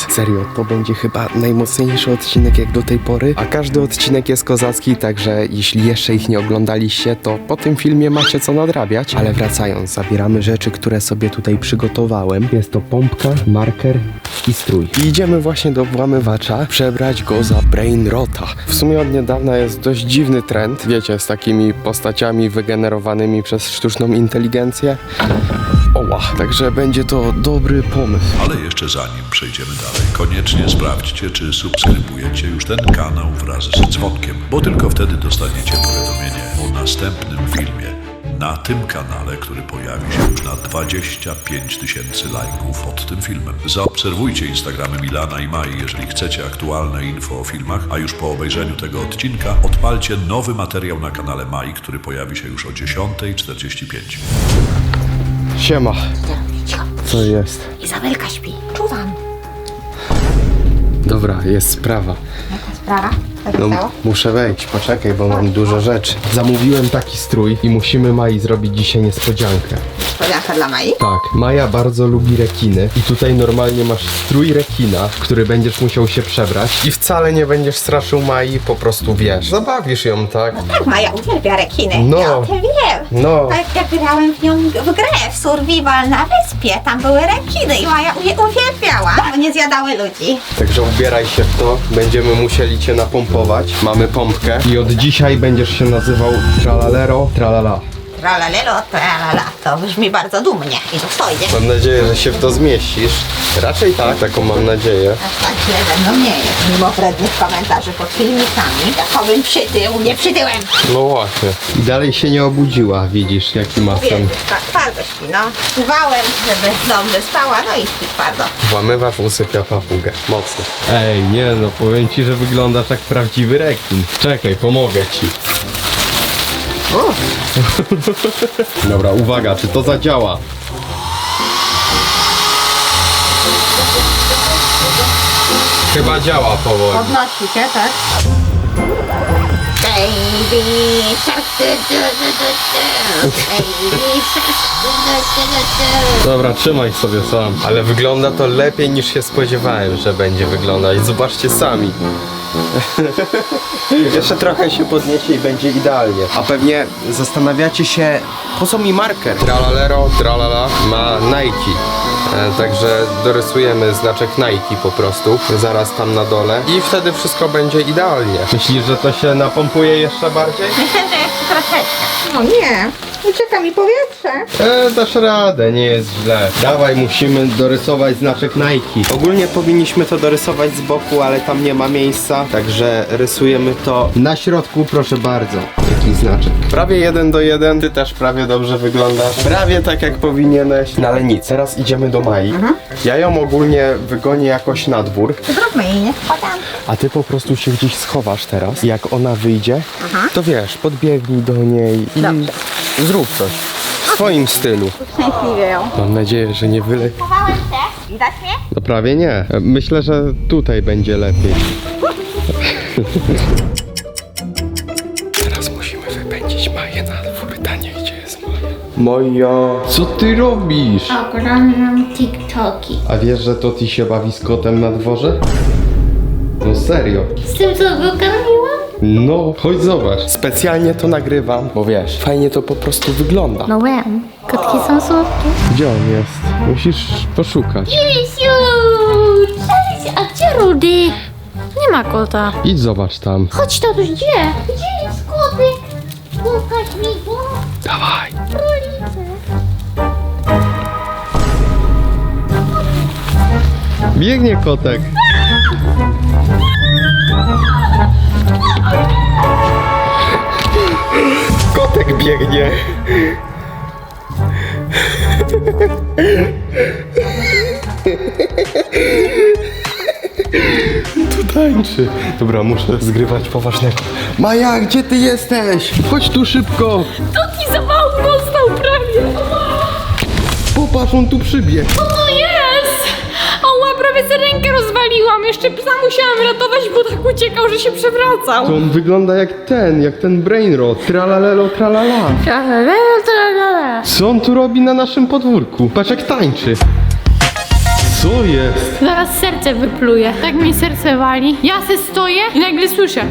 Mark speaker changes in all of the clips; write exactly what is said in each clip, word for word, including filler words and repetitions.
Speaker 1: Serio, to będzie chyba najmocniejszy odcinek jak do tej pory, a każdy odcinek jest kozacki, także jeśli jeszcze ich nie oglądaliście, to po tym filmie macie co nadrabiać. Ale wracając, zabieramy rzeczy, które sobie tutaj przygotowałem. Jest to pompka, marker i strój. I idziemy właśnie do włamywacza przebrać go za Brainrota. W sumie od niedawna jest dość dziwny trend, wiecie, z takimi postaciami wygenerowanymi przez sztuczną inteligencję. Oła, także będzie to dobry pomysł.
Speaker 2: Ale jeszcze zanim przejdziemy dalej, koniecznie sprawdźcie, czy subskrybujecie już ten kanał wraz z dzwonkiem, bo tylko wtedy dostaniecie powiadomienie o następnym filmie na tym kanale, który pojawi się już na dwadzieścia pięć tysięcy lajków pod tym filmem. Zaobserwujcie Instagramy Milana i Mai, jeżeli chcecie aktualne info o filmach, a już po obejrzeniu tego odcinka odpalcie nowy materiał na kanale Mai, który pojawi się już o dziesiąta czterdzieści pięć.
Speaker 1: Siema.
Speaker 3: Cicho.
Speaker 1: Co jest?
Speaker 3: Izabelka śpi. Czuwam.
Speaker 1: Dobra, jest sprawa.
Speaker 3: Jaka sprawa? Co się
Speaker 1: No,
Speaker 3: stało?
Speaker 1: muszę wejść, poczekaj, bo mam dużo rzeczy. Zamówiłem taki strój i musimy Mai zrobić dzisiaj niespodziankę.
Speaker 3: Niespodzianka dla Mai?
Speaker 1: Tak, Maja bardzo lubi rekiny i tutaj normalnie masz strój rekina, w który będziesz musiał się przebrać i wcale nie będziesz straszył Mai, po prostu wiesz. Zabawisz ją, tak?
Speaker 3: Tak, Maja uwielbia rekiny.
Speaker 1: No.
Speaker 3: Ja o tym wiem.
Speaker 1: No.
Speaker 3: Tak jak grałem w nią w grę, w survival na wyspie, tam były rekiny i Maja je uwielbiała, bo nie zjadały ludzi.
Speaker 1: Także ubieraj się w to, będziemy musieli cię napompować. Mamy pompkę i od dzisiaj będziesz się nazywał Tralalero Tralala.
Speaker 3: Tralalelo, tralala, to brzmi bardzo dumnie i dostojnie.
Speaker 1: Mam nadzieję, że się w to zmieścisz. Raczej tak, taką mam nadzieję.
Speaker 3: Aż tak źle ze mną nie jest, mimo wrednych komentarzy pod filmikami. Jakobym przytył, nie przytyłem.
Speaker 1: No właśnie. I dalej się nie obudziła, widzisz, jaki ma
Speaker 3: Wiem,
Speaker 1: sen.
Speaker 3: tak, twardo śpi, no. Czuwałem, żeby dobrze spała, no i śpi twardo.
Speaker 1: Włamywacz usypia papugę. Mocno. Ej, nie no, powiem ci, że wyglądasz jak prawdziwy rekin. Czekaj, pomogę ci. Dobra, uwaga, czy to zadziała? Chyba działa powoli.
Speaker 3: Podnosi się, tak? Baby shark, du, du, du, du, du. Baby shark, du, du, du, du, du.
Speaker 1: Dobra, trzymaj sobie sam. Ale wygląda to lepiej niż się spodziewałem, że będzie wyglądać. Zobaczcie sami. Jeszcze trochę się podniesie i będzie idealnie. A pewnie zastanawiacie się, po co mi marker? Tralalero, tralala ma Nike. E, także dorysujemy znaczek Nike po prostu, zaraz tam na dole i wtedy wszystko będzie idealnie. Myślisz, że to się napompuje jeszcze bardziej?
Speaker 3: Myślę, że jeszcze troszeczkę. No nie, ucieka mi powietrze.
Speaker 1: E, dasz radę, nie jest źle. Dawaj, musimy dorysować znaczek Nike. Ogólnie powinniśmy to dorysować z boku, ale tam nie ma miejsca, także rysujemy to na środku, proszę bardzo. Jaki znaczek? Prawie jeden do jeden, ty też prawie dobrze wyglądasz. Prawie tak jak powinieneś. No ale nic, teraz idziemy do Mai. Ja ją ogólnie wygonię jakoś na dwór,
Speaker 3: Zróbmy jej, nie wpadam.
Speaker 1: a ty po prostu się gdzieś schowasz teraz. Jak ona wyjdzie, to wiesz, podbiegnij do niej i
Speaker 3: Dobrze.
Speaker 1: zrób coś. W swoim stylu.
Speaker 3: Szczęśliwie ją.
Speaker 1: Mam nadzieję, że nie wyle...
Speaker 3: Chowałem się. Widać mnie?
Speaker 1: No prawie nie. Myślę, że tutaj będzie lepiej. Teraz musimy wypędzić Maję na dwór. Ta nie gdzie jest Maja. Moja, co ty robisz?
Speaker 4: Oglądam TikToki.
Speaker 1: A wiesz, że to ty się bawi z kotem na dworze? No serio.
Speaker 4: Z tym, co go karmiłam?
Speaker 1: No, chodź zobacz. Specjalnie to nagrywam, bo wiesz, fajnie to po prostu wygląda.
Speaker 4: No wiem. Kotki są słodkie.
Speaker 1: Gdzie on jest? Musisz poszukać.
Speaker 4: Jesiu! Cześć! A gdzie Rudy? Nie ma kota.
Speaker 1: Idź zobacz tam.
Speaker 4: Chodź, tatuś, gdzie? Gdzie jest kotek? Pokaż mi go.
Speaker 1: Dawaj.
Speaker 4: Królice.
Speaker 1: Biegnie kotek. Kotek biegnie. Tu tańczy. Dobra, muszę zgrywać poważnego. Maja, gdzie ty jesteś? Chodź tu szybko.
Speaker 4: Toki za mało dostał prawie.
Speaker 1: Popatrz, on tu przybiegł.
Speaker 4: Co to jest? Oła, prawie sobie rękę rozwaliłam. Jeszcze psa musiałam ratować, bo tak uciekał, że się przewracał.
Speaker 1: To on wygląda jak ten, jak ten Brainrot. Tralalelo, tralala.
Speaker 4: Tralalelo, tralala.
Speaker 1: Co on tu robi na naszym podwórku? Patrz jak tańczy. Co jest?
Speaker 4: Zaraz serce wypluje. Tak mi serce wali. Ja se stoję i nagle słyszę.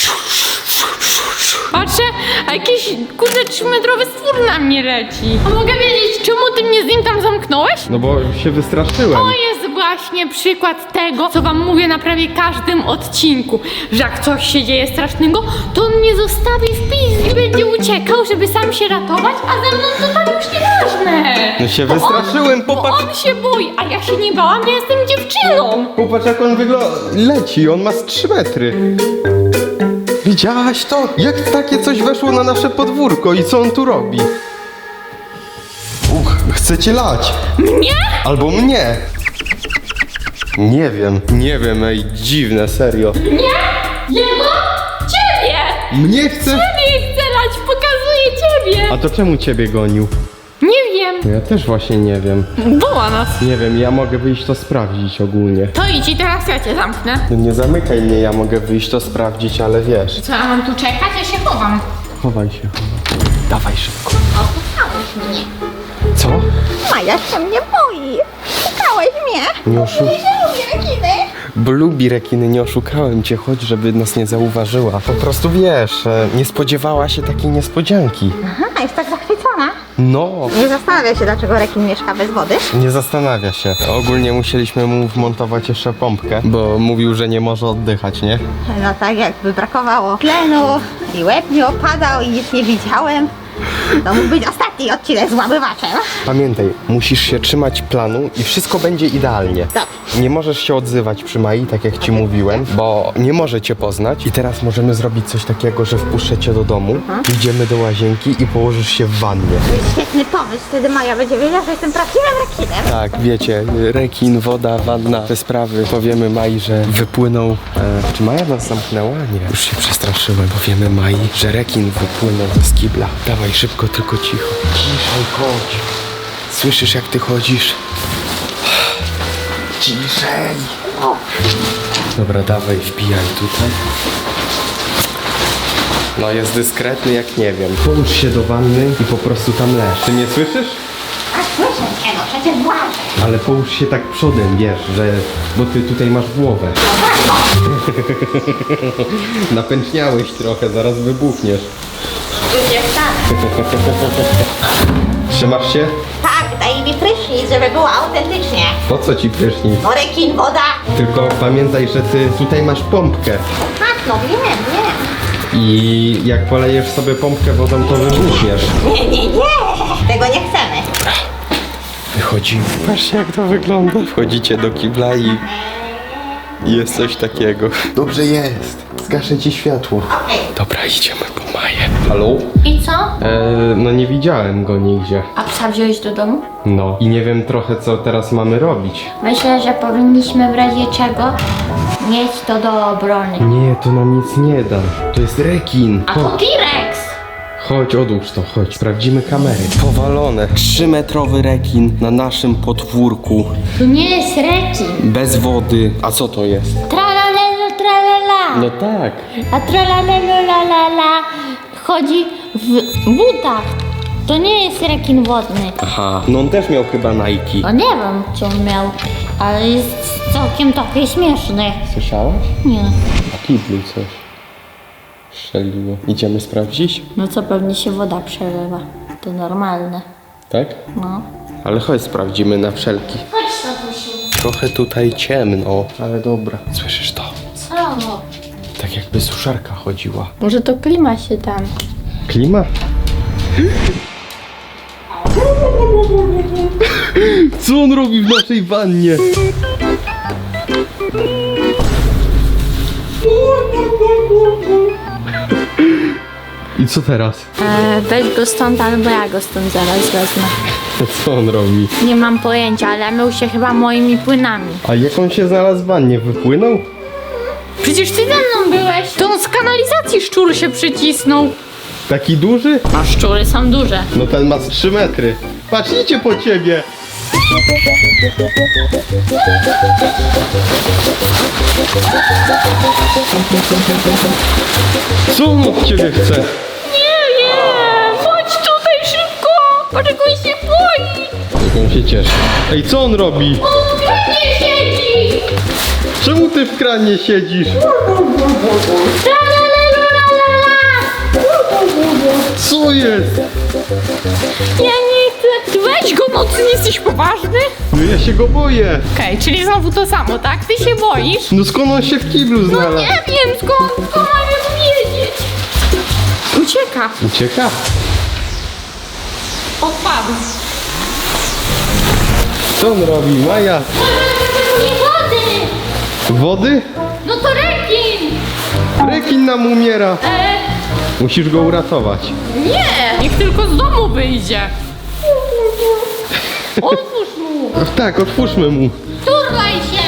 Speaker 4: Patrzę, a jakiś kurde trzymetrowy stwór na mnie leci. A mogę wiedzieć, czemu ty mnie z nim tam zamknąłeś?
Speaker 1: No bo się wystraszyłem.
Speaker 4: To jest właśnie przykład tego, co wam mówię na prawie każdym odcinku, że jak coś się dzieje strasznego, to on mnie zostawi w pizd i będzie uciekał, żeby sam się ratować, a ze mną to tam już nieważne.
Speaker 1: No się
Speaker 4: Bo
Speaker 1: wystraszyłem,
Speaker 4: on, bo
Speaker 1: popatrz.
Speaker 4: on się boi, a ja się nie bałam, ja jestem dziewczyną.
Speaker 1: Popatrz jak on wygląda. Leci, on ma z trzy metry. Widziałaś to? Jak takie coś weszło na nasze podwórko i co on tu robi? Uch, chce cię lać.
Speaker 4: Mnie?
Speaker 1: Albo mnie. Nie wiem, nie wiem, ej, dziwne, serio.
Speaker 4: Nie? Jego? Ciebie!
Speaker 1: Mnie chce...
Speaker 4: Ciebie chce lać, pokazuję ciebie!
Speaker 1: A to czemu ciebie gonił?
Speaker 4: Nie wiem.
Speaker 1: Ja też właśnie nie wiem.
Speaker 4: Woła nas.
Speaker 1: Nie wiem, ja mogę wyjść to sprawdzić ogólnie.
Speaker 4: To idź i teraz ja cię zamknę.
Speaker 1: No nie zamykaj mnie, ja mogę wyjść to sprawdzić, ale wiesz.
Speaker 4: Co, ja mam tu czekać? Ja się chowam.
Speaker 1: Chowaj się. Dawaj szybko.
Speaker 3: Oszukałeś mnie.
Speaker 1: Co?
Speaker 3: Maja się mnie boi. Oszukałeś mnie.
Speaker 1: Nie oszu...
Speaker 3: Nie lubię rekiny.
Speaker 1: Bo lubi rekiny, nie oszukałem cię, chodź, żeby nas nie zauważyła. Po prostu wiesz, e, nie spodziewała się takiej niespodzianki.
Speaker 3: Aha, jest tak zachwycona.
Speaker 1: No,
Speaker 3: Nie zastanawia się, dlaczego rekin mieszka bez wody.
Speaker 1: nie zastanawia się. Ogólnie musieliśmy mu wmontować jeszcze pompkę, bo mówił, że nie może oddychać, nie?
Speaker 3: No tak, jakby brakowało tlenu i łeb mi opadał i nic nie widziałem. To mógł być ostatni odcinek z łamywaczem.
Speaker 1: Pamiętaj, musisz się trzymać planu i wszystko będzie idealnie.
Speaker 3: Dobrze.
Speaker 1: Nie możesz się odzywać przy Mai, tak jak ci mówiłem, bo nie może cię poznać. I teraz możemy zrobić coś takiego, że wpuszczę cię do domu, idziemy do łazienki i położysz się w wannie.
Speaker 3: To jest świetny pomysł, wtedy Maja będzie wiedziała, że jestem prawdziwym rekinem.
Speaker 1: Tak, wiecie, rekin, woda, wanna, te sprawy. Powiemy Mai, że wypłynął... E, czy Maja nas zamknęła? Nie. Już się przestraszyłem. Powiemy Mai, że rekin wypłynął z kibla. Dawaj szybko, tylko cicho. Ciszej, chodź. Słyszysz, jak ty chodzisz? Ciszej. Dobra, dawaj, wbijaj tutaj. No jest dyskretny jak nie wiem. Połóż się do wanny i po prostu tam leż. Ty nie słyszysz?
Speaker 3: A słyszę cię, no przecież błażę.
Speaker 1: Ale połóż się tak przodem, wiesz, że... Bo ty tutaj masz głowę. Napęczniałeś trochę, zaraz wybuchniesz.
Speaker 3: Już nie wstanę.
Speaker 1: Trzymasz się?
Speaker 3: Tak, daj mi prysznic, żeby było autentycznie.
Speaker 1: Po co ci prysznic?
Speaker 3: No rekin, woda.
Speaker 1: Tylko pamiętaj, że ty tutaj masz pompkę.
Speaker 3: Tak, no wiem, wiem.
Speaker 1: I jak polejesz sobie pompkę wodą, to wybuchniesz.
Speaker 3: Nie, nie, nie. Tego nie chcemy.
Speaker 1: Wychodzimy. Patrzcie, jak to wygląda. Wchodzicie do kibla i... i jest coś takiego. Dobrze jest. Zgaszę ci światło.
Speaker 3: Okej.
Speaker 1: Dobra, idziemy po Maję. Halo?
Speaker 4: I co?
Speaker 1: Eee, no nie widziałem go nigdzie.
Speaker 4: A psa wziąłeś do domu?
Speaker 1: No. I nie wiem trochę, co teraz mamy robić.
Speaker 5: Myślę, że powinniśmy w razie czego mieć to do obrony.
Speaker 1: Nie, to nam nic nie da. To jest rekin.
Speaker 5: A to T-Rex!
Speaker 1: Chodź, odłóż to, chodź. Sprawdzimy kamery. Powalone. Trzymetrowy rekin na naszym podwórku.
Speaker 5: To nie jest rekin.
Speaker 1: Bez wody. A co to jest?
Speaker 5: Tralalelo tralala.
Speaker 1: No tak.
Speaker 5: A tralalelo lalala chodzi w butach. To nie jest rekin wodny.
Speaker 1: Aha. No on też miał chyba Nike.
Speaker 5: No nie wiem, co on miał, ale jest całkiem taki śmieszny.
Speaker 1: Słyszałaś?
Speaker 5: Nie.
Speaker 1: A kiblu coś strzeliło. Idziemy sprawdzić?
Speaker 5: No co, pewnie się woda przelewa. To normalne.
Speaker 1: Tak?
Speaker 5: No.
Speaker 1: Ale chodź sprawdzimy na wszelki.
Speaker 5: Chodź, Tatusiu.
Speaker 1: Trochę tutaj ciemno, ale dobra. Słyszysz to?
Speaker 5: Co?
Speaker 1: Tak jakby suszarka chodziła.
Speaker 5: Może to klima się tam.
Speaker 1: Klima? Co on robi w naszej wannie? I co teraz?
Speaker 5: E, weź go stąd, albo ja go stąd zaraz wezmę.
Speaker 1: Co on robi?
Speaker 5: Nie mam pojęcia, ale mył się chyba moimi płynami.
Speaker 1: A jak on się znalazł w wannie? Wypłynął?
Speaker 4: Przecież ty ze mną byłeś. To on z kanalizacji szczur się przycisnął.
Speaker 1: Taki duży?
Speaker 4: A szczury są duże.
Speaker 1: No ten ma z trzy metry. Patrz, idzie po ciebie. Co on od ciebie chce?
Speaker 4: Nie wiem. Chodź tutaj szybko. Patrz jak on się boi.
Speaker 1: Jak on się cieszy. Ej, co on robi?
Speaker 4: On wie. Nie siedzi!
Speaker 1: Czemu ty w kranie siedzisz? Co jest?
Speaker 4: Ja nie chcę. Weź go, no ty nie jesteś poważny?
Speaker 1: No ja się go boję.
Speaker 4: Okej, czyli znowu to samo, tak? Ty się boisz?
Speaker 1: No skąd on się w kiblu
Speaker 4: No
Speaker 1: znalazł?
Speaker 4: nie wiem skąd, skąd mam wiedzieć. Ucieka.
Speaker 1: Ucieka?
Speaker 4: Odpadł.
Speaker 1: Co on robi, Maja?
Speaker 4: Nie wody!
Speaker 1: Wody?
Speaker 4: No to rekin!
Speaker 1: Rekin nam umiera.
Speaker 4: E,
Speaker 1: Musisz go uratować.
Speaker 4: nie! Niech tylko z domu wyjdzie. Otwórz mu!
Speaker 1: Tak, otwórzmy mu.
Speaker 4: Turlaj się!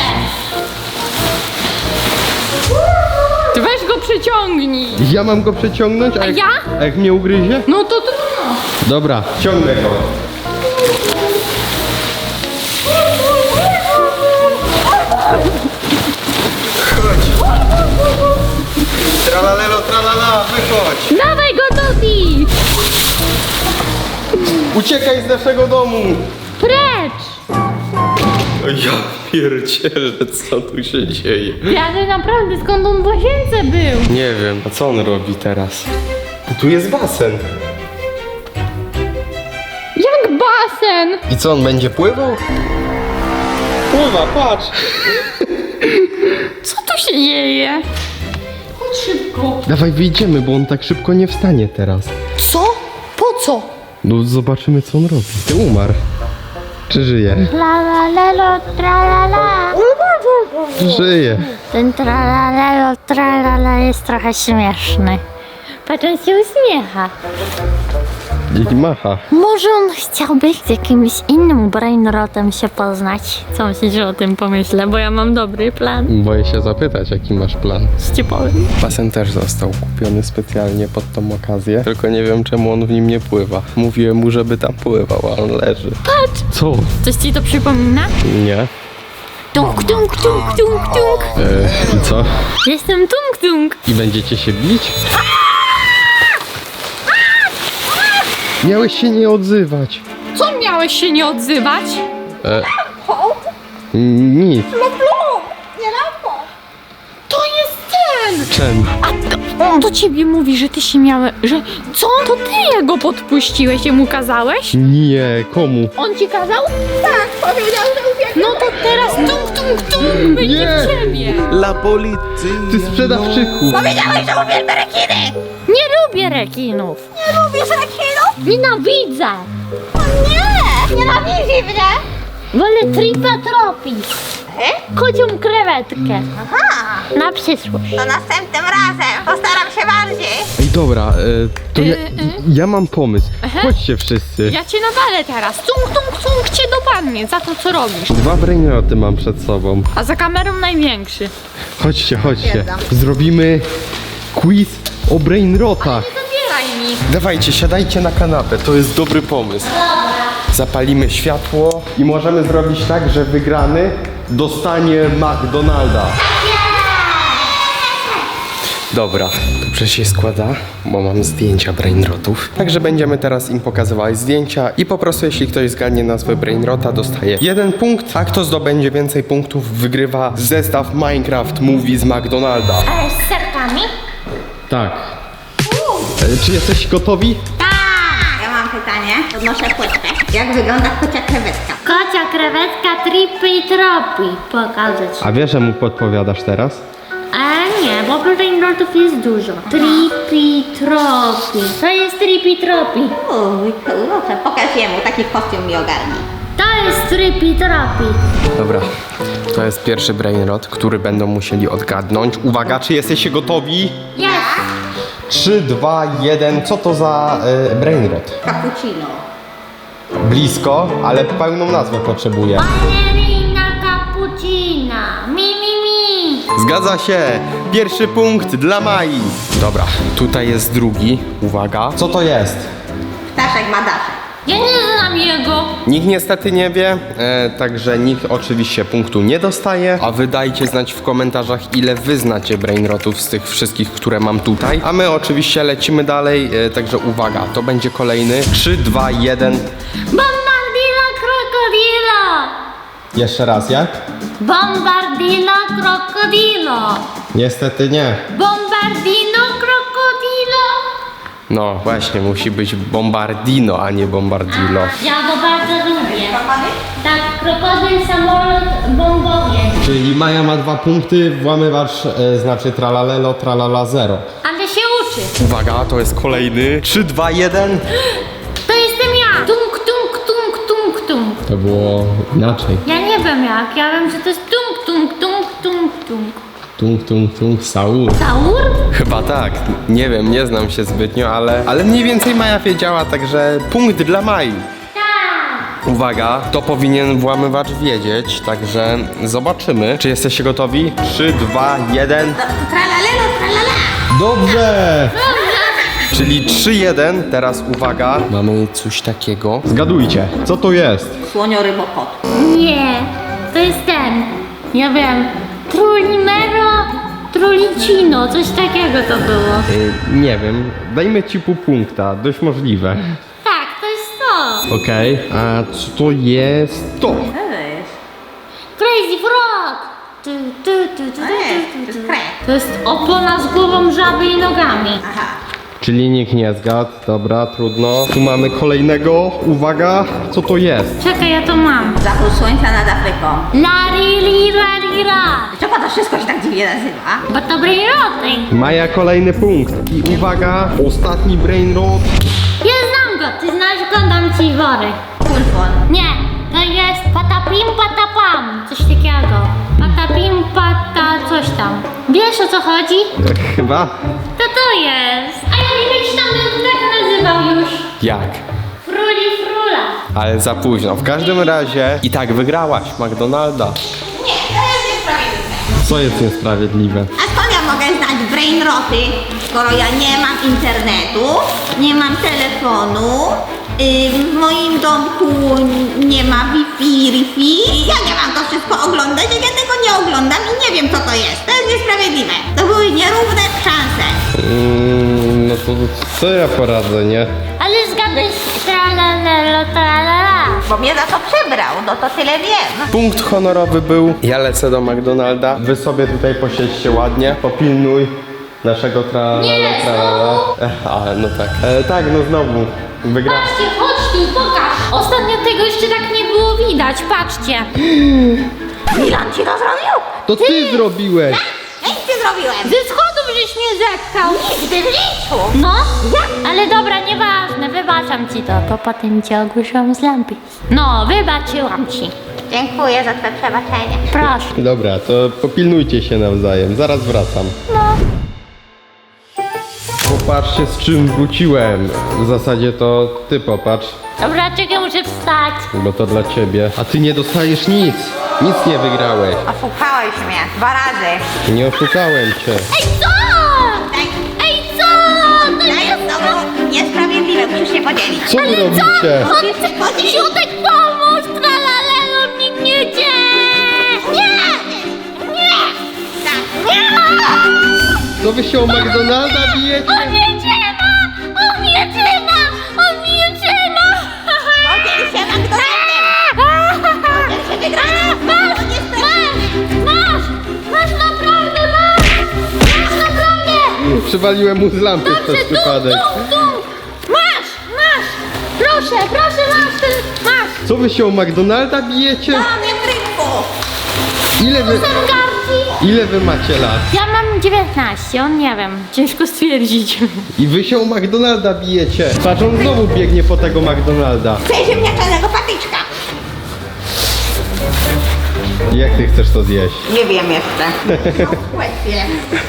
Speaker 4: Ty weź go przyciągnij.
Speaker 1: Ja mam go przeciągnąć, a jak,
Speaker 4: ja?
Speaker 1: a jak mnie ugryzie?
Speaker 4: No to trudno.
Speaker 1: Dobra, ciągnę go. Chodź. Tralalelo, tralala, wychodź.
Speaker 4: Dawaj go, Tobi!
Speaker 1: Uciekaj z naszego domu.
Speaker 4: Precz!
Speaker 1: Ja pierdzielę, co tu się dzieje?
Speaker 4: Ale naprawdę, skąd on w łazience był?
Speaker 1: Nie wiem, a co on robi teraz? Tu jest basen.
Speaker 4: Jak basen!
Speaker 1: I co, on będzie pływał? Pływa, patrz.
Speaker 4: Co tu się dzieje? Chodź szybko.
Speaker 1: Dawaj, wyjdziemy, bo on tak szybko nie wstanie teraz.
Speaker 4: Co? Po co?
Speaker 1: No zobaczymy, co on robi. Ty umarł. Czy żyje?
Speaker 5: La la lelo, tra la la.
Speaker 1: Żyje.
Speaker 5: Ten tra la lelo, tra la la jest trochę śmieszny. Patrz, on się uśmiecha.
Speaker 1: I macha.
Speaker 5: Może on chciałby z jakimś innym brainrotem się poznać? Co myślisz o tym pomyślę, bo ja mam dobry plan.
Speaker 1: Boję się zapytać, jaki masz plan.
Speaker 5: Ci powiem.
Speaker 1: Basen też został kupiony specjalnie pod tą okazję, tylko nie wiem, czemu on w nim nie pływa. Mówiłem mu, żeby tam pływał, a on leży.
Speaker 4: Patrz!
Speaker 1: Co?
Speaker 4: Coś ci to przypomina?
Speaker 1: Nie.
Speaker 4: Tung, tung, tung, tung, tung.
Speaker 1: E, I co?
Speaker 4: Jestem tung, tung.
Speaker 1: I będziecie się bić? Miałeś się nie odzywać.
Speaker 4: Co miałeś się nie odzywać?
Speaker 1: E, nic.
Speaker 4: To jest ten!
Speaker 1: Czemu?
Speaker 4: A to, on do ciebie mówi, że ty się miałeś, że co? To ty jego podpuściłeś, jemu kazałeś?
Speaker 1: Nie, komu?
Speaker 4: On ci kazał? Tak, powiedział, że uwielbiam. No to teraz tung, tung, tung będzie
Speaker 1: Nie.
Speaker 4: w ciebie.
Speaker 6: La policja.
Speaker 1: Ty sprzedawczyku.
Speaker 3: Powiedziałeś, że uwielbiam rekiny!
Speaker 5: Nie lubię rekinów.
Speaker 3: Nie lubisz rekinów?
Speaker 5: Nienawidzę.
Speaker 3: Nie! Nienawidzi mnie!
Speaker 5: Wolę tripatropis. Kocią krewetkę.
Speaker 3: Aha!
Speaker 5: Na przyszłość.
Speaker 3: To następnym razem postaram się bardziej.
Speaker 1: Ej, dobra, e, to ja,
Speaker 4: Y, y.
Speaker 1: ja mam pomysł. Chodźcie wszyscy.
Speaker 4: Ja cię nawalę teraz. Tung, tung, tung cię dopadnie za to, co robisz.
Speaker 1: Dwa brainroty mam przed sobą.
Speaker 4: A za kamerą największy.
Speaker 1: Chodźcie, chodźcie.
Speaker 3: Stwierdzam.
Speaker 1: Zrobimy quiz o brainrotach.
Speaker 4: Zabieraj mi.
Speaker 1: Dawajcie, siadajcie na kanapę, to jest dobry pomysł. Zapalimy światło i możemy zrobić tak, że wygrany dostanie McDonalda. Dobra, dobrze się składa, bo mam zdjęcia brainrotów. Także będziemy teraz im pokazywać zdjęcia i po prostu jeśli ktoś zgadnie nazwę brainrota, dostaje jeden punkt, a kto zdobędzie więcej punktów, wygrywa zestaw Minecraft Movie z McDonalda.
Speaker 5: Ale z serkami?
Speaker 1: Tak. E, Czy jesteś gotowi?
Speaker 3: Ja mam pytanie, podnoszę płytkę. Jak wygląda kocia krewetka?
Speaker 5: Kocia krewetka tripi-tropi. Pokażę ci.
Speaker 1: A wiesz, że mu podpowiadasz teraz?
Speaker 5: A nie, bo brainrotów jest dużo. Tripi-tropi. To jest tripi-tropi.
Speaker 3: Uj, kurczę, pokaż jemu, taki kostium mi ogarni.
Speaker 5: To jest tripi-tropi.
Speaker 1: Dobra, to jest pierwszy brainrot, który będą musieli odgadnąć. Uwaga, czy jesteście gotowi?
Speaker 5: Jest.
Speaker 1: trzy, dwa, jeden. Co to za y, brainrot?
Speaker 3: Cappuccino.
Speaker 1: Blisko, ale pełną nazwę potrzebuję.
Speaker 5: Ballerina cappuccina. Mi, mi, mi.
Speaker 1: Zgadza się. Pierwszy punkt dla Mai. Dobra, tutaj jest drugi. Uwaga. Co to jest?
Speaker 3: Ptaszek ma daszek.
Speaker 4: Ja nie znam jego.
Speaker 1: Nikt niestety nie wie, e, także nikt oczywiście punktu nie dostaje. A wy dajcie znać w komentarzach, ile wy znacie brainrotów z tych wszystkich, które mam tutaj. A my oczywiście lecimy dalej, e, także uwaga, to będzie kolejny. trzy, dwa, jeden.
Speaker 5: Bombardilla krokodila.
Speaker 1: Jeszcze raz, jak?
Speaker 5: Bombardino krokodilo.
Speaker 1: Niestety nie.
Speaker 5: Bombardino krokodilo.
Speaker 1: No właśnie, musi być bombardino, a nie bombardilo.
Speaker 5: Ja go bardzo lubię. Tak, krokodyl, samolot, bombowiec.
Speaker 1: Czyli Maja ma dwa punkty, włamywacz e, znaczy tralalelo, tralala zero.
Speaker 5: Ale się uczy.
Speaker 1: Uwaga, to jest kolejny. trzy, dwa, jeden.
Speaker 5: To jestem ja. Tung, tung, tung, tung, tung.
Speaker 1: To było inaczej.
Speaker 5: Ja nie wiem jak. Ja wiem, że to jest tung, tung, tung, tung, tung.
Speaker 1: Tung, tung, tung, Saul.
Speaker 5: Saur?
Speaker 1: Chyba tak. Nie wiem, nie znam się zbytnio, ale, ale mniej więcej Maja wiedziała, także punkt dla Mai.
Speaker 5: Tak.
Speaker 1: Uwaga, to powinien włamywacz wiedzieć, także zobaczymy. Czy jesteście gotowi? trzy, dwa, jeden.
Speaker 3: Tralalelo, tralala.
Speaker 1: Dobrze! Czyli trzy jeden, teraz uwaga. Mamy coś takiego. Zgadujcie, co to jest?
Speaker 3: Słonio-rybokot.
Speaker 5: Nie, to jest ten. Ja wiem. Trulimero, trulicino, coś takiego to było.
Speaker 1: Y, nie wiem, dajmy ci pół punkta, dość możliwe.
Speaker 5: Tak, to jest to.
Speaker 1: Okej, a co to jest to?
Speaker 5: Crazy Frog. Tu, tu, tu, tu, tu, tu,
Speaker 3: Ej, to
Speaker 5: tu,
Speaker 3: jest
Speaker 5: tu.
Speaker 3: krek.
Speaker 5: To jest opona z głową żaby i nogami.
Speaker 3: Aha.
Speaker 1: Czyli nikt nie zgadł, dobra, trudno. Tu mamy kolejnego, uwaga, co to jest?
Speaker 5: Czekaj, ja to mam.
Speaker 3: Zachód słońca nad Afryką.
Speaker 5: Lari, li, ra, li, ra.
Speaker 3: Czemu to wszystko się tak dziwnie nazywa?
Speaker 5: Bo to brainroty.
Speaker 1: Maja kolejny punkt. I uwaga, ostatni brain rot.
Speaker 5: Ja znam go, ty znasz go, dam ci wory.
Speaker 3: Kulfon.
Speaker 5: Nie, to jest patapim, patapam. Coś takiego. Patapim, pata, coś tam. Wiesz o co chodzi?
Speaker 1: Chyba?
Speaker 5: To to jest. A ja nie wiem, czy tam bym tak nazywał już.
Speaker 1: Jak?
Speaker 5: Fruli, frula.
Speaker 1: Ale za późno. W każdym razie i tak wygrałaś McDonalda.
Speaker 3: Nie, to jest niesprawiedliwe.
Speaker 1: Co jest niesprawiedliwe?
Speaker 3: A skąd ja mogę znać brainroty, skoro ja nie mam internetu, nie mam telefonu, yy, w moim domku nie ma Wi-Fi, Wi-Fi. Ja nie mam to wszystko oglądać, jak ja tego nie oglądam i nie wiem co to jest. To jest niesprawiedliwe. To były nierówne szanse.
Speaker 1: Mm, no to co ja poradzę, nie?
Speaker 5: Ale zgadłeś tralalelo, tralala.
Speaker 3: Bo mnie za to przebrał, no to tyle wiem.
Speaker 1: Punkt honorowy był. Ja lecę do McDonalda. Wy sobie tutaj posiedźcie ładnie. Popilnuj naszego tralala.
Speaker 5: Nie,
Speaker 1: tralala. E, A, no tak. E, tak, no znowu. Wygra.
Speaker 5: Patrzcie, chodź tu, pokaż. Ostatnio tego jeszcze tak nie było widać, patrzcie.
Speaker 3: Milan ci to zrobił?
Speaker 1: To ty zrobiłeś.
Speaker 3: Ja nic nie zrobiłem.
Speaker 5: Ze schodów żeś mnie zepchał.
Speaker 3: Nigdy w życiu.
Speaker 5: No, ale dobra, nieważne, wybaczam ci to, to potem cię ogłuszyłam z lampy. No, wybaczyłam ci.
Speaker 3: Dziękuję za twoje przebaczenie.
Speaker 5: Proszę.
Speaker 1: Dobra, to popilnujcie się nawzajem. Zaraz wracam.
Speaker 5: No.
Speaker 1: Popatrzcie, z czym wróciłem. W zasadzie to ty popatrz,
Speaker 5: Dobra, czekaj, muszę wstać.
Speaker 1: bo to dla ciebie. A ty nie dostajesz nic. Nic nie wygrałeś.
Speaker 3: Oszukałeś mnie dwa razy.
Speaker 1: Nie oszukałem cię.
Speaker 5: Ej, co?
Speaker 3: Tak.
Speaker 5: Ej, co? To
Speaker 3: To
Speaker 5: nie
Speaker 3: jest znowu niesprawiedliwe, musisz się podzielić.
Speaker 1: Co wy robicie?
Speaker 3: Musisz się podzielić.
Speaker 5: Siutek, pomóż, tralalelo, nikt nie idzie. Nie! Nie!
Speaker 3: Tak. Nie.
Speaker 1: Co wy się o McDonalda bijecie?
Speaker 5: On mnie trzyma! On mnie trzyma! On mnie trzyma!
Speaker 3: Podziel się McDonaldem. Podziel się wygraną.
Speaker 5: Masz!
Speaker 3: To niesprawiedliwe.
Speaker 5: Masz! Masz! Masz naprawdę! Masz! Masz naprawdę!
Speaker 1: Przywaliłem mu z lampy przez
Speaker 5: Dobrze, tu,
Speaker 1: przypadek.
Speaker 5: tu, tu! Masz! Masz! Proszę, proszę, masz! ten- Masz!
Speaker 1: Co wy się o McDonalda bijecie?
Speaker 3: Mamy w rynku.
Speaker 1: Ile wy,
Speaker 5: Sam garci!
Speaker 1: ile wy macie lat?
Speaker 5: Ja mam dziewiętnaście, on nie wiem. Ciężko stwierdzić.
Speaker 1: I wy się o McDonalda bijecie. Patrz, on znowu biegnie po tego McDonalda.
Speaker 3: Chcę ziemniaczanego patyczka.
Speaker 1: Jak ty chcesz to zjeść?
Speaker 3: Nie wiem jeszcze. Chwilę.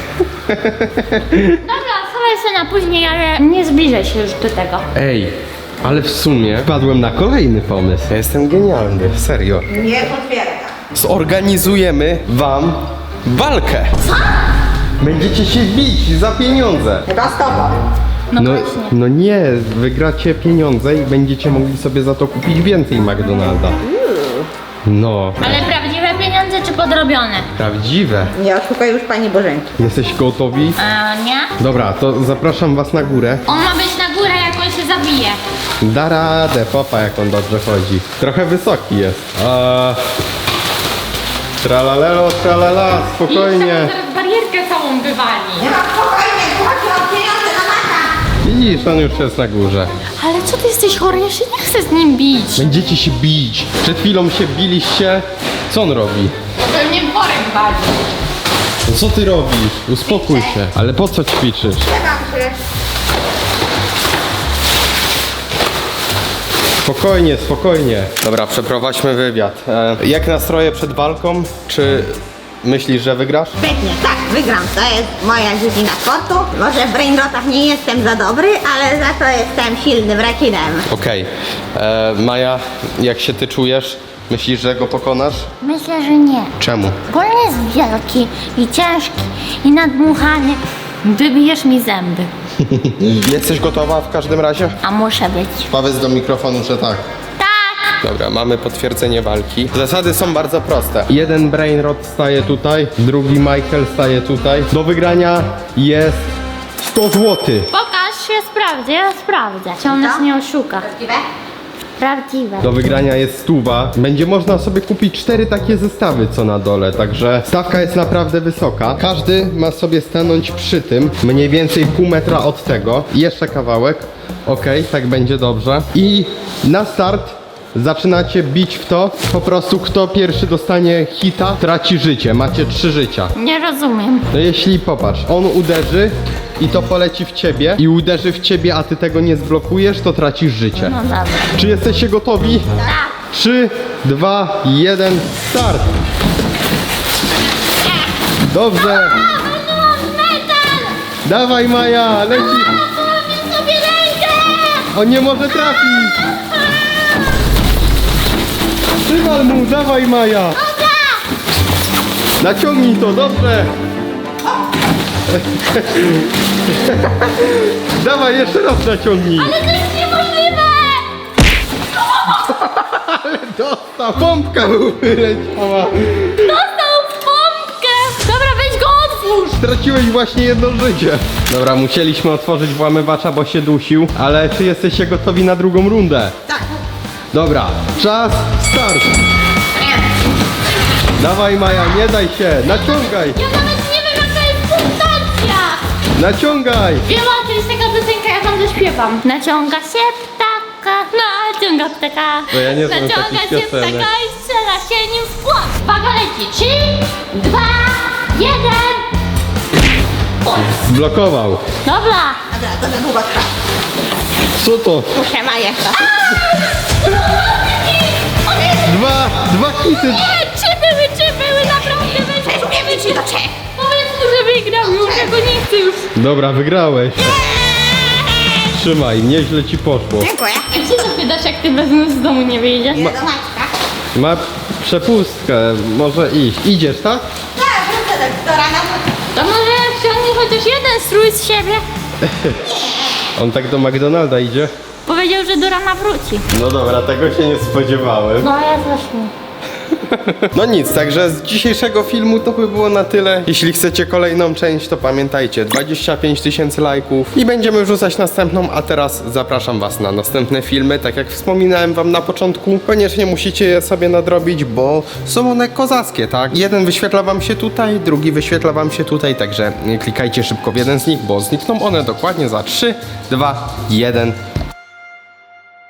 Speaker 5: Dobra, schowaj się na później, ale nie zbliżaj się już do tego.
Speaker 1: Ej, ale w sumie wpadłem na kolejny pomysł. Ja jestem genialny, serio.
Speaker 3: Nie potwierdzam.
Speaker 1: Zorganizujemy wam walkę. Co? Będziecie się bić za pieniądze.
Speaker 3: Chyba z tobą.
Speaker 5: No,
Speaker 1: No,
Speaker 5: właśnie.
Speaker 1: no nie, wygracie pieniądze i będziecie mogli sobie za to kupić więcej McDonalda. No,
Speaker 5: Ale prawdziwe pieniądze czy podrobione?
Speaker 1: prawdziwe.
Speaker 3: Nie oszukaj już pani Bożenki.
Speaker 1: Jesteś gotowi?
Speaker 5: A nie?
Speaker 1: Dobra, to zapraszam was na górę.
Speaker 5: On ma być na górę, jak on się zabije.
Speaker 1: Da radę, popa jak on dobrze chodzi. Trochę wysoki jest. Eee, Tralalelo, tralala, spokojnie.
Speaker 4: Zaraz barierkę całą wywali.
Speaker 3: Nie ma spokojnie, chodź o pieniądze na maka.
Speaker 1: Widzisz, on już jest na górze.
Speaker 4: Ale co ty jesteś chory? Ja się nie chcę z nim bić.
Speaker 1: Będziecie się bić. Przed chwilą się biliście. Co on robi?
Speaker 4: To mnie worek wali.
Speaker 1: No co ty robisz? Uspokój się. Ale po co ćwiczysz?
Speaker 3: Czekam się.
Speaker 1: Spokojnie, spokojnie. Dobra, przeprowadźmy wywiad. E, jak nastroje przed walką? Czy myślisz, że wygrasz?
Speaker 3: Pewnie, tak, wygram. To jest moja dziedzina sportu. Może w brainrotach nie jestem za dobry, ale za to jestem silnym rekinem.
Speaker 1: Okej. E, Maja, jak się ty czujesz? Myślisz, że go pokonasz?
Speaker 5: Myślę, że nie.
Speaker 1: Czemu?
Speaker 5: Bo on jest wielki i ciężki i nadmuchany.
Speaker 4: Wybijesz mi zęby.
Speaker 1: Jesteś gotowa w każdym razie?
Speaker 5: A muszę być.
Speaker 1: Powiedz do mikrofonu, że tak.
Speaker 5: Tak!
Speaker 1: Dobra, mamy potwierdzenie walki. Zasady są bardzo proste. Jeden Brainrot staje tutaj, drugi Michael staje tutaj. Do wygrania jest sto złotych.
Speaker 5: Pokaż, ja sprawdzę, ja sprawdzę. Czy on nas nie oszuka?
Speaker 3: Prawdziwe?
Speaker 5: Prawdziwe.
Speaker 1: Do wygrania jest stuwa. Będzie można sobie kupić cztery takie zestawy, co na dole, także stawka jest naprawdę wysoka. Każdy ma sobie stanąć przy tym, mniej więcej pół metra od tego. Jeszcze kawałek. Okej, tak będzie dobrze. I na start zaczynacie bić w to. Po prostu kto pierwszy dostanie hita, traci życie. Macie trzy życia.
Speaker 5: Nie rozumiem.
Speaker 1: No jeśli popatrz, on uderzy i to poleci w ciebie i uderzy w ciebie, a ty tego nie zblokujesz, to tracisz życie.
Speaker 5: No dobra.
Speaker 1: Czy jesteście gotowi?
Speaker 5: Tak.
Speaker 1: trzy, dwa, jeden, start! Dobrze! Dawaj Maja, leci!
Speaker 5: Sobie rękę!
Speaker 1: On nie może trafić! Przywal mu, dawaj Maja! Naciągnij to, dobrze! Dawaj, jeszcze raz naciągnij!
Speaker 5: Ale to jest niemożliwe!
Speaker 1: Dostał! Pompka mu wyleciała!
Speaker 5: Dostał w pompkę!
Speaker 4: Dobra, weź go otwórz.
Speaker 1: Straciłeś właśnie jedno życie. Dobra, musieliśmy otworzyć włamywacza, bo się dusił. Ale czy jesteście gotowi na drugą rundę?
Speaker 3: Tak.
Speaker 1: Dobra, czas, start! Dawaj Maja, nie daj się, naciągaj!
Speaker 5: Ja nawet nie wiem jaka jest punktacja!
Speaker 1: Naciągaj!
Speaker 4: Wiem, to jest taka piosenka, ja tam zaśpiewam.
Speaker 5: Naciąga się ptaka, naciąga ptaka.
Speaker 1: Bo ja nie znam
Speaker 5: naciąga
Speaker 1: takich
Speaker 5: się
Speaker 1: piosenek.
Speaker 5: ptaka i strzela się nim w płot. Uwaga, leci. Trzy, dwa, jeden.
Speaker 1: Zblokował.
Speaker 5: Dobra.
Speaker 3: Dobra, to za długo trwa.
Speaker 1: Co to?
Speaker 3: Muszę Maję.
Speaker 1: Dwa, dwa hity.
Speaker 5: Nie, trzy były, trzy były, naprawdę weź.
Speaker 3: Przejdziemy ci do trzech.
Speaker 4: Powiedz mu, że wygram już, ja go nie chcę już.
Speaker 1: Dobra, wygrałeś. Trzymaj, nieźle ci poszło.
Speaker 3: Dziękuję.
Speaker 4: Jak się zapytasz, jak ty bez nas z domu nie wyjdziesz?
Speaker 3: Idę do Maćka.
Speaker 1: Ma przepustkę, może iść. Idziesz, tak?
Speaker 3: Tak, wrócę do, do rana.
Speaker 4: To może ściągnij chociaż jeden strój z siebie.
Speaker 1: On tak do McDonalda idzie?
Speaker 5: Powiedział, że do rana wróci.
Speaker 1: No dobra, tego się nie spodziewałem.
Speaker 5: No ja też nie.
Speaker 1: No nic, także z dzisiejszego filmu to by było na tyle. Jeśli chcecie kolejną część, to pamiętajcie, dwadzieścia pięć tysięcy lajków i będziemy wrzucać następną, a teraz zapraszam was na następne filmy. Tak jak wspominałem wam na początku, koniecznie musicie je sobie nadrobić, bo są one kozackie, tak? Jeden wyświetla wam się tutaj, drugi wyświetla wam się tutaj, także klikajcie szybko w jeden z nich, bo znikną one dokładnie za trzy, dwa, jeden.